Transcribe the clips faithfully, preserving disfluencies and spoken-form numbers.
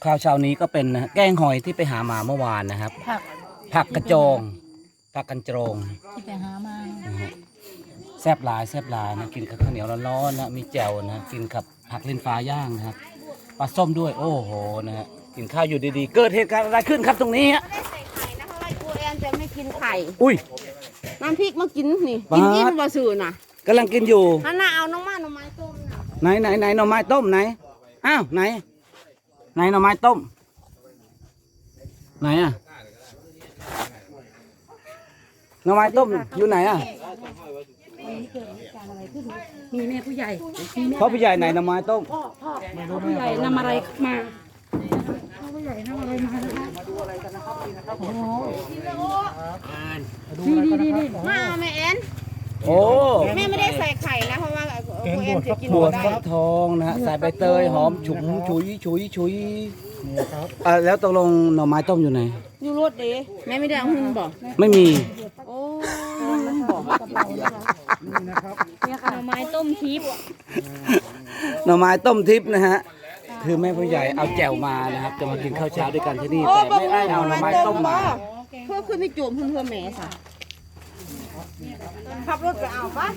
ข้าวเช้านี้ก็เป็นนะแกงหอยที่ไปหามาเมื่อวานนะครับผักผักกระโจงผักกันโจงที่ไปหามานะฮะแซ่บหลายแซ่บหลายนะกินกับข้าวเหนียวร้อนๆนะมีแจ่วนะกินกับผักลิ้นฟ้าย่างนะครับปลาส้มด้วยโอ้โหนะฮะกินข้าวอยู่ดีๆเกิดเหตุการณ์อะไรขึ้นครับตรงนี้ฮะไม่ได้ใส่ไข่นะเพราะว่าครูแอนจะไม่กินไข่อุ้ยน้ำพริกมากินนี่บาสกินอิ่มบ่สื่อน่ะกำลังกินอยู่นั่นน่ะเอาน้องมาหน่อไม้ต้มน่ะไหนไหนไหนหน่อไม้ต้มไหนอ้าวไหนไหนหน่อไม้ต้มไหนอ่ะหน่อไม้ต้มอยู่ไหนอ่ะมีแม่ผู้ใหญ่มีแม่พ่อผู้ใหญ่ไหนหน่อไม้ต้มพ่อพ่อพ่อผู้ใหญ่นำอะไรมาพ่อผู้ใหญ่นำอะไรมานะคะโอ้โหนี่นี่นี่นี่มาเอาแม่แอนโอ้แม่ไม่ได้ใส่ไข่นะเพราะว่าครูแอนจะกินบวบ่ชได้ฟักทองนะฮะใส่ใบเตยหอมฉุนฉุยฉุยฉุยอ่าแล้วตกลงหน่อไม้ต้มอยู่ไหนอยู่รถเด้แม่ไม่ได้เอาหุ้นบ่ไม่มีโอ้เนี่ยค่ะหน่อไม้ต้มทิพย์หน่อไม้ต้มทิพย์นะฮะคือแม่ผู้ใหญ่เอาแจ่วมานะครับจะมากินข้าวเช้าด้วยกันที่นี่แต่ไม่ได้เอาหน่อไม้ต้มมาเพื่อขึ้นในโจมเพื่อนเพื่อแม่ค่ะขับรถไปเอาปะ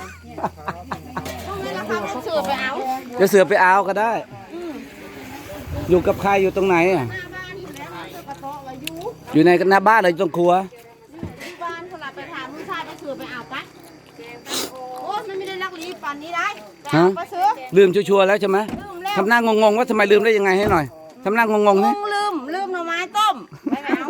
ต้องให้ราคาเป็นสื่อไปเอาจะเสือไปเอาก็ได้ อยู่กับใครอยู่ตรงไหนอ่ะหน้าบ้านอยู่แล้วเจ้ากระโต๊ะไว้อยู่อยู่ในหน้าบ้านหรือตรงครัวที่บ้านคนละไปถามผู้ชายไปสื่อไปเอาปะโอ้มันไม่ได้รักลีปันนี้ได้ไปเอาไปซื้อลืมชัวร์ๆแล้วใช่ไหมลืมแล้วทำหน้างงๆว่าทำไมลืมได้ยังไงให้หน่อยทำหน้างงๆงนี่งลืมลืมหน่อไม้ต้มไปเอา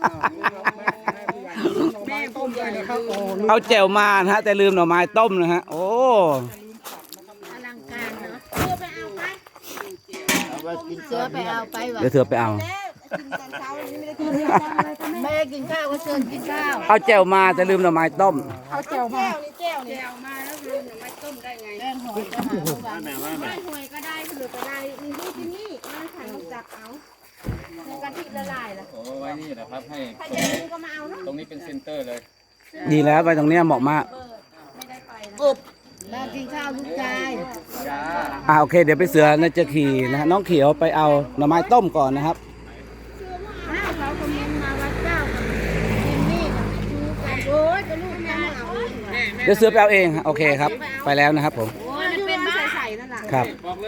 เอาแจ่วมานะฮะแต่ลืมหน่อไม้ต้มนะฮะโอ้อลังการเนาะเสือไปเอาไปเสือไปเอาไปวะเดี๋ยวเธอไปเอากินตอนเช้าวันนี้ไม่ได้กินแม่กินข้าวก็เชิญกินข้าวเอาแจ่วมาแต่ลืมหน่อไม้ต้มเอาแจ่วมานี่แจ่วนี่แจ่วมาแล้วลืมหน่อไม้ต้มได้ไงแกงหอยก็หาไม่หวยก็ได้เผือกก็ได้นี่ที่กินนี่มาขันจับเอาในกะทิละลายล่ะโอ้ไว้นี่แหละครับให้ใครจะกินก็มาเอาเนาะตรงนี้เป็นเซ็นเตอร์เลยดีแล้วไปตรงเนี้ยเหมาะมากกบมากินข้าวลูกชายจ้าอ่าโอเคเดี๋ยวไปเสือนะจะขี่นะฮะน้องเขียวไปเอาหน่อไม้ต้มก่อนนะครับอ้าวเขาคอมเมนต์มาว่าเจ้ากับกินนี่กับชูกันโอ้ยก็ลูกชายเอาเดี๋ยวเสือไปเอาเองฮะโอเคครับ ไปแล้วนะครับผมโอ้ยมันเป็นบ้านใส่ๆนั่นแหละครับบอกเลย